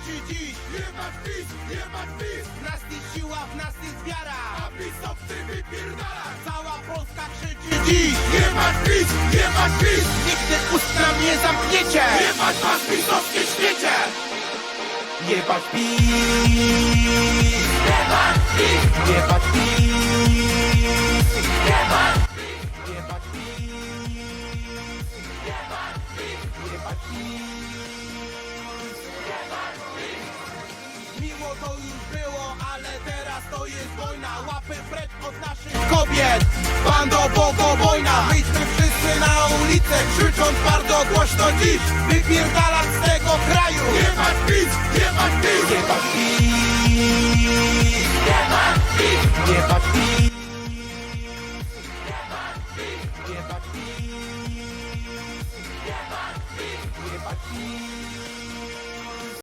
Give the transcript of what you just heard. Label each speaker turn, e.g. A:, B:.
A: krzyczy dziś.
B: Jebać PiS, jebać PiS.
A: W nas jest siła, w nas jest wiara.
B: A pisowcy wypierdalać.
A: Cała Polska krzyczy dziś.
B: Jebać PiS, jebać PiS.
A: Nigdy ust nam nie zamkniecie.
B: Jebać was pisowskie śmiecie.
A: Jebać PiS.
B: Jebać PiS,
A: Jebać PiS.
B: jebać
A: Jebać PiS. Jebać PiS. Miło to już było, ale teraz to jest wojna. Łapy precz od naszych kobiet. Bando bogobojna. Wyjdźmy wszyscy na ulicę, krzycząc bardzo głośno dziś. Wypierdalać z tego kraju.
B: Jebać PiS, jebać PiS.
A: Jebać PiS.
B: Jebać PiS.
A: Jebać PiS.